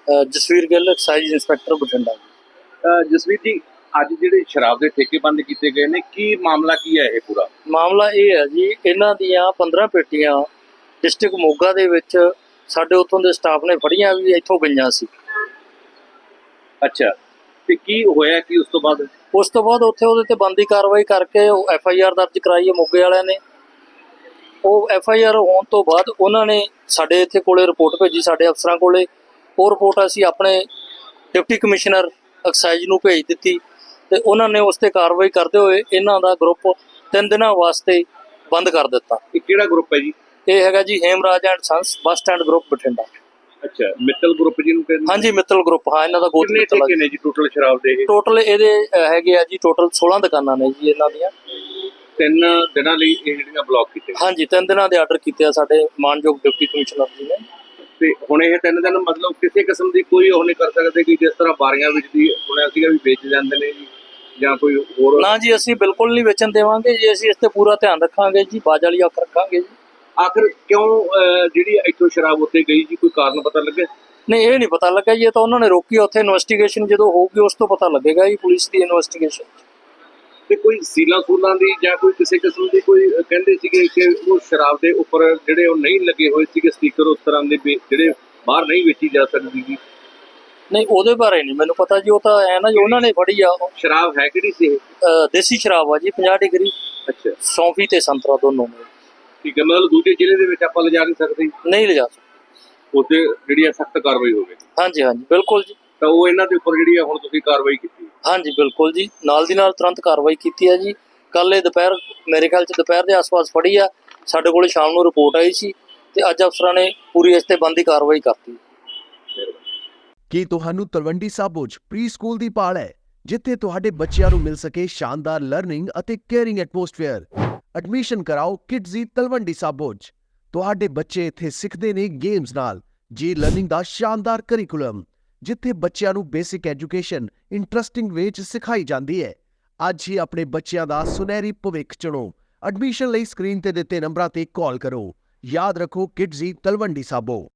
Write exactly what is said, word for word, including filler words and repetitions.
ਅ, Jasvir Gill, excise inspector Bathinda. ਅ, ਜਸਵੀਰ ਜੀ, ਅੱਜ ਜਿਹੜੇ ਸ਼ਰਾਬ ਦੇ ਠੇਕੇ ਬੰਦ ਕੀਤੇ ਗਏ ਨੇ, ਕੀ ਮਾਮਲਾ ਕੀ ਹੈ ਇਹ ਪੂਰਾ? ਮਾਮਲਾ ਇਹ ਹੈ ਜੀ, ਇਹਨਾਂ ਦੀਆਂ ਪੰਦਰਾਂ ਪੇਟੀਆਂ ਡਿਸਟ੍ਰਿਕਟ ਮੋਗਾ ਦੇ ਵਿੱਚ ਸਾਡੇ ਉੱਥੋਂ ਦੇ ਸਟਾਫ ਨੇ ਫੜੀਆਂ ਵੀ ਇੱਥੋਂ ਗਈਆਂ ਸੀ। ਅੱਛਾ, ਤੇ ਕੀ ਹੋਇਆ ਕਿ ਉਸ ਤੋਂ ਬਾਅਦ? ਉਸ ਤੋਂ ਬਾਅਦ ਉੱਥੇ ਉਹਦੇ ਤੇ ਬਣਦੀ ਕਾਰਵਾਈ ਕਰਕੇ ਉਹ ਐਫ ਆਈ ਆਰ ਦਰਜ ਕਰਾਈ ਹੈ ਮੋਗੇ ਵਾਲਿਆਂ ਨੇ। ਉਹ ਐਫ ਆਈ ਆਰ ਹੋਣ ਤੋਂ ਬਾਅਦ ਉਹਨਾਂ ਨੇ ਸਾਡੇ ਇੱਥੇ ਕੋਲੇ ਰਿਪੋਰਟ ਭੇਜੀ, ਸਾਡੇ ਅਫਸਰਾਂ ਕੋਲੇ। ਉਹ ਰਿਪੋਰਟ ਅਸੀਂ ਆਪਣੇ ਡਿਪਟੀ ਕਮਿਸ਼ਨਰ ਐਕਸਾਈਜ਼ ਨੂੰ ਭੇਜ ਦਿੱਤੀ ਤੇ ਉਹਨਾਂ ਨੇ ਉਸ ਤੇ ਕਾਰਵਾਈ ਕਰਦੇ ਹੋਏ ਇਹਨਾਂ ਦਾ ਗਰੁੱਪ ਤਿੰਨ ਦਿਨਾਂ ਵਾਸਤੇ ਬੰਦ ਕਰ ਦਿੱਤਾ। ਇਹ ਕਿਹੜਾ ਗਰੁੱਪ ਹੈ ਜੀ? ਇਹ ਹੈਗਾ ਜੀ ਹੇਮਰਾਜ ਐਂਡ ਸੰਸ ਬੱਸ ਸਟੈਂਡ ਗਰੁੱਪ ਬਠਿੰਡਾ। ਅੱਛਾ, ਮਿੱਤਲ ਗਰੁੱਪ ਜੀ ਨੂੰ ਕਹਿੰਦੇ? ਹਾਂਜੀ, ਮਿੱਤਲ ਗਰੁੱਪ, ਹਾਂ, ਇਹਨਾਂ ਦਾ ਗੋਤ ਕਿੰਨੇ ਮਿੱਤਲ ਠੇਕੇ ਨੇ ਜੀ ਟੋਟਲ ਸ਼ਰਾਬ ਦੇ? ਇਹ ਟੋਟਲ ਇਹਦੇ ਅ, ਹੈਗੇ ਆ ਜੀ ਟੋਟਲ ਸੋਲਾਂ ਦੁਕਾਨਾਂ ਨੇ ਜੀ ਇਹਨਾਂ ਦੀਆਂ। ਤਿੰਨ ਦਿਨਾਂ ਲਈ ਇਹ ਜਿਹੜੀਆਂ ਬਲੌਕ ਕੀਤੇ? ਹਾਂਜੀ, ਤਿੰਨ ਦਿਨਾਂ ਦੇ ਆਰਡਰ ਕੀਤੇ ਆ ਸਾਡੇ ਮਾਨਯੋਗ ਡਿਪਟੀ ਕਮਿਸ਼ਨਰ ਜੀ ਨੇ। ਤੇ ਹੁਣ ਇਹ ਤਿੰਨ ਦਿਨ ਮਤਲਬ ਕਿਸੇ ਕਿਸਮ ਦੀ ਕੋਈ ਉਹ ਨਹੀਂ ਕਰ ਸਕਦੇ ਕਿ ਜਿਸ ਤਰ੍ਹਾਂ ਬਾਰੀਆਂ ਵਿੱਚ ਦੀ ਸੁਣਿਆ ਸੀਗਾ ਵੀ ਵੇਚ ਜਾਂਦੇ ਨੇ ਜੀ ਜਾਂ ਕੋਈ ਹੋਰ? ਨਾ ਜੀ, ਅਸੀਂ ਬਿਲਕੁਲ ਨਹੀਂ ਵੇਚਣ ਦੇਵਾਂਗੇ ਜੀ। ਅਸੀਂ ਇਸ ਤੇ ਪੂਰਾ ਧਿਆਨ ਰੱਖਾਂਗੇ ਜੀ, ਬਾਜ ਵਾਲੀ ਅੱਖ ਰੱਖਾਂਗੇ ਜੀ। ਆਖਰ ਕਿਉਂ ਅਹ, ਜਿਹੜੀ ਇੱਥੋਂ ਸ਼ਰਾਬ ਉੱਤੇ ਗਈ ਜੀ, ਕੋਈ ਕਾਰਨ ਪਤਾ ਲੱਗਿਆ? ਨਹੀਂ, ਇਹ ਨਹੀਂ ਪਤਾ ਲੱਗਾ ਜੀ। ਇਹ ਤਾਂ ਉਹਨਾਂ ਨੇ ਰੋਕੀ, ਉੱਥੇ ਇਨਵੈਸਟੀਗੇਸ਼ਨ ਜਦੋਂ ਹੋਊਗੀ ਉਸ ਤੋਂ ਪਤਾ ਲੱਗੇਗਾ ਜੀ, ਪੁਲਿਸ ਦੀ ਇਨਵੈਸਟੀਗੇਸ਼ਨ। ਤੇ ਕੋਈ ਸੀਲਾਂ ਸੂਲਾਂ ਦੀ ਜਾਂ ਕੋਈ ਕਿਸੇ ਕਿਸਮ ਦੀ ਕੋਈ ਅਹ, ਕਹਿੰਦੇ ਸੀਗੇ ਕਿ ਉਹ ਸ਼ਰਾਬ ਦੇ ਉੱਪਰ ਜਿਹੜੇ ਉਹ ਨਹੀਂ ਲੱਗੇ ਹੋਏ ਸੀਗੇ ਸਟicker ਉਸ ਤਰ੍ਹਾਂ ਦੇ ਵੀ ਜਿਹੜੇ ਬਾਹਰ ਨਹੀਂ ਵੇਚੀ ਜਾ ਸਕਦੀ ਜੀ? ਨਹੀਂ, ਉਹਦੇ ਬਾਰੇ ਨਹੀਂ ਮੈਨੂੰ ਪਤਾ ਜੀ। ਉਹ ਤਾਂ ਐ ਨਾ ਜੀ, ਉਹਨਾਂ ਨੇ ਫੜੀ ਆ। ਸ਼ਰਾਬ ਹੈ ਕਿਹੜੀ ਸੀ ਇਹ? ਅ, ਦੇਸੀ ਸ਼ਰਾਬ ਆ ਜੀ, ਪੰਜਾਹ ਡਿਗਰੀ, ਅੱਛਾ, ਸੌਂਫੀ ਤੇ ਸੰਤਰਾ ਦੋਨੋਂ ਨੇ। ਠੀਕ ਹੈ, ਮਤਲਬ ਦੂਜੇ ਜ਼ਿਲ੍ਹੇ ਦੇ ਵਿੱਚ ਆਪਾਂ ਲਿਜਾ ਨਹੀਂ ਸਕਦੇ? ਨਹੀਂ ਲਿਜਾ ਸਕਦੇ। ਉੱਥੇ ਜਿਹੜੀ ਸਖਤ ਕਾਰਵਾਈ ਹੋਵੇ? ਹਾਂਜੀ ਹਾਂਜੀ, ਬਿਲਕੁਲ ਜੀ। ਤਾਂ ਉਹ ਇਹਨਾਂ ਦੇ ਉੱਪਰ ਜਿਹੜੀ ਆ ਹੁਣ ਤੁਸੀਂ ਕਾਰਵਾਈ ਕੀਤੀ? ਹਾਂਜੀ, ਬਿਲਕੁਲ ਜੀ, ਨਾਲ ਦੀ ਨਾਲ ਤੁਰੰਤ ਕਾਰਵਾਈ ਕੀਤੀ ਹੈ ਜੀ। ਕੱਲ੍ਹ ਇਹ ਦੁਪਹਿਰ, ਮੇਰੇ ਖਿਆਲ 'ਚ ਦੁਪਹਿਰ ਦੇ ਆਸ-ਪਾਸ ਫੜੀ ਆ। ਸਾਡੇ ਕੋਲ ਸ਼ਾਮ ਨੂੰ ਰਿਪੋਰਟ ਆਈ ਸੀ ਤੇ ਅੱਜ ਅਫਸਰਾਂ ਨੇ ਪੂਰੀ ਇਸ ਤੇ ਬਣਦੀ ਕਾਰਵਾਈ ਕਰਤੀ। ਕੀ ਤੁਹਾਨੂੰ ਤਲਵੰਡੀ ਸਾਬੋ 'ਚ ਪ੍ਰੀ ਸਕੂਲ ਦੀ ਭਾਲ ਹੈ, ਜਿੱਥੇ ਤੁਹਾਡੇ ਬੱਚਿਆਂ ਨੂੰ ਮਿਲ ਸਕੇ ਸ਼ਾਨਦਾਰ ਲਰਨਿੰਗ ਅਤੇ ਕੇਅਰਿੰਗ ਐਟਮੋਸਫੇਅਰ? ਐਡਮਿਸ਼ਨ ਕਰਾਓ ਕਿਡਜ਼ੀ ਤਲਵੰਡੀ ਸਾਬੋ 'ਚ। ਤੁਹਾਡੇ ਬੱਚੇ ਇੱਥੇ ਸਿੱਖਦੇ ਨੇ ਗੇਮਸ ਨਾਲ ਜੀ ਲਰਨਿੰਗ ਦਾ ਸ਼ਾਨਦਾਰ ਕਰਿਕੂਲਮ, ਜਿੱਥੇ ਬੱਚਿਆਂ ਨੂੰ ਬੇਸਿਕ ਐਜੂਕੇਸ਼ਨ ਇੰਟਰਸਟਿੰਗ ਵੇ 'ਚ ਸਿਖਾਈ ਜਾਂਦੀ ਹੈ। ਅੱਜ ਹੀ ਆਪਣੇ ਬੱਚਿਆਂ ਦਾ ਸੁਨਹਿਰੀ ਭਵਿੱਖ ਚੁਣੋ। ਐਡਮਿਸ਼ਨ ਲਈ ਸਕਰੀਨ ਤੇ ਦਿੱਤੇ ਨੰਬਰਾਂ ਤੇ ਕਾਲ ਕਰੋ। ਯਾਦ ਰੱਖੋ, ਕਿਡਜ਼ੀ ਤਲਵੰਡੀ ਸਾਬੋ।